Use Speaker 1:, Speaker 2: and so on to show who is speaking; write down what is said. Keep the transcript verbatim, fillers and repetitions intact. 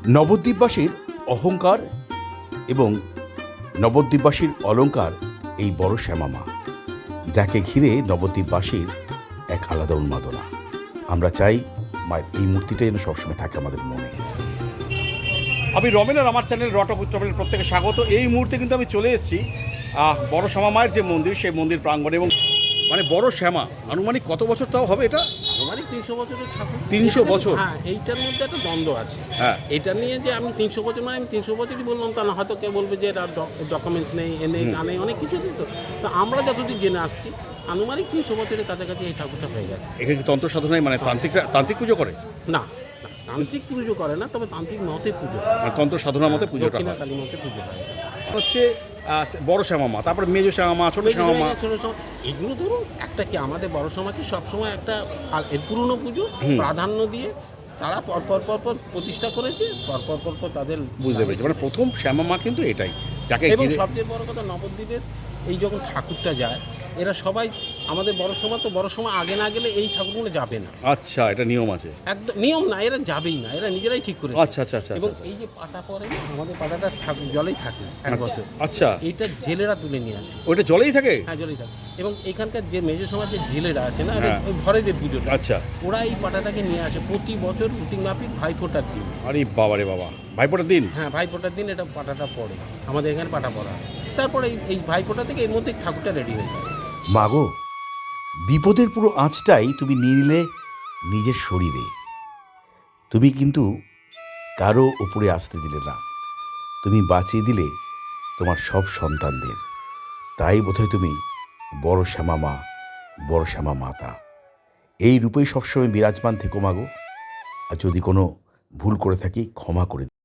Speaker 1: নবদ্বীপবাসীর অহংকার এবং নবদ্বীপবাসীর অলংকার এই বড় শ্যামা মা, যাকে ঘিরে নবদ্বীপবাসীর এক আলাদা উন্মাদনা। আমরা চাই মায়ের এই মূর্তিটা যেন সবসময় থাকে আমাদের মনে। আমি রমেন আর আমার চ্যানেল রটক উত্তরপ্রদেশের প্রত্যেকে স্বাগত। এই মুহূর্তে কিন্তু আমি চলে এসেছি বড় শ্যামা মায়ের যে মন্দির, সেই মন্দির প্রাঙ্গণে। এবং মানে বড় শ্যামা আনুমানিক কত বছর তাও হবে এটা?
Speaker 2: আনুমানিক তিনশো বছরের ঠাকুর।
Speaker 1: তিনশো বছর?
Speaker 2: হ্যাঁ, এইটার মধ্যে একটা দ্বন্দ্ব আছে।
Speaker 1: হ্যাঁ,
Speaker 2: এটা নিয়ে যে আমি তিনশো বছর মানে আমি তিনশো বছরই বললাম তা না, হয়তো কেউ বলবে যে তার ডকুমেন্টস নেই, এ নেই, তা নেই, অনেক কিছু দিত। তো আমরা যতদূর জেনে আসছি আনুমানিক তিনশো বছরের কাছাকাছি এই ঠাকুরটা হয়ে গেছে।
Speaker 1: এখানে তন্ত্র সাধনায় মানে তান্ত্রিকরা তান্ত্রিক পুজো করে
Speaker 2: না, তান্ত্রিক পুজো করে না, তবে তান্ত্রিক মতে পুজো,
Speaker 1: তন্ত্র সাধনার মতে পুজোটা হয়।
Speaker 2: কালী মতে পুজো হয়
Speaker 1: হচ্ছে বড় শ্যামা মা, তারপরে মেজো শ্যামা মা, ছোট শ্যামা মা।
Speaker 2: এগুলো ধরুন একটা কি আমাদের বড় সমাজে সবসময় একটা এর পুরনো পুজো প্রাধান্য দিয়ে তারা পরপর পরপর প্রতিষ্ঠা করেছে, পরপর পরপর তাদের
Speaker 1: বুঝতে পেরেছি। মানে প্রথম শ্যামা মা কিন্তু এটাই, যাকে
Speaker 2: এবং সবচেয়ে বড় কথা নবদ্বীপের এই যখন ঠাকুরটা যায়, এরা সবাই আমাদের বড় সময় তো বড় সময় আগে না গেলে এই ঠাকুরগুলো যাবে না।
Speaker 1: আচ্ছা, এটা নিয়ম আছে?
Speaker 2: একদম নিয়ম না, এরা যাবেই না, এরা নিজেরাই ঠিক করে।
Speaker 1: আচ্ছা আচ্ছা আচ্ছা।
Speaker 2: এবং এই যে পাটা পরে না, আমাদের পাটাটা ঠাকুর জলেই থাকে এক বছর।
Speaker 1: আচ্ছা,
Speaker 2: এইটা জেলেরা তুলে নিয়ে আসে।
Speaker 1: ওইটা জলেই থাকে?
Speaker 2: হ্যাঁ, জলেই থাকে। এবং এখানকার যে মেজো সমাজের জেলেরা আছে না,
Speaker 1: হ্যাঁ,
Speaker 2: ওই ভরেদের পুজোটা,
Speaker 1: আচ্ছা,
Speaker 2: ওরা এই পাটাটাকে নিয়ে আসে প্রতি বছর রুটিন মাফিক ভাইফোঁটার দিন।
Speaker 1: আরে বাবা রে বাবা, ভাইফোঁটার দিন?
Speaker 2: হ্যাঁ, ভাইফোঁটার দিন এটা পাটাটা পড়ে, আমাদের এখানে পাটা পড়া হয়। তারপরে এই এই ভাইফোঁটা থেকে এর মধ্যে ঠাকুরটা রেডি হয়ে যায়।
Speaker 1: মাগো, বিপদের পুরো আঁচটাই তুমি নিয়ে নিলে নিজের শরীরে। তুমি কিন্তু কারো উপরে আসতে দিলে না, তুমি বাঁচিয়ে দিলে তোমার সব সন্তানদের। তাই বোধহয় তুমি বড় শ্যামা মা, বড় শ্যামা মাতা এই রূপেই সবসময় বিরাজমান থেকো মাগো। আর যদি কোনো ভুল করে থাকি ক্ষমা করে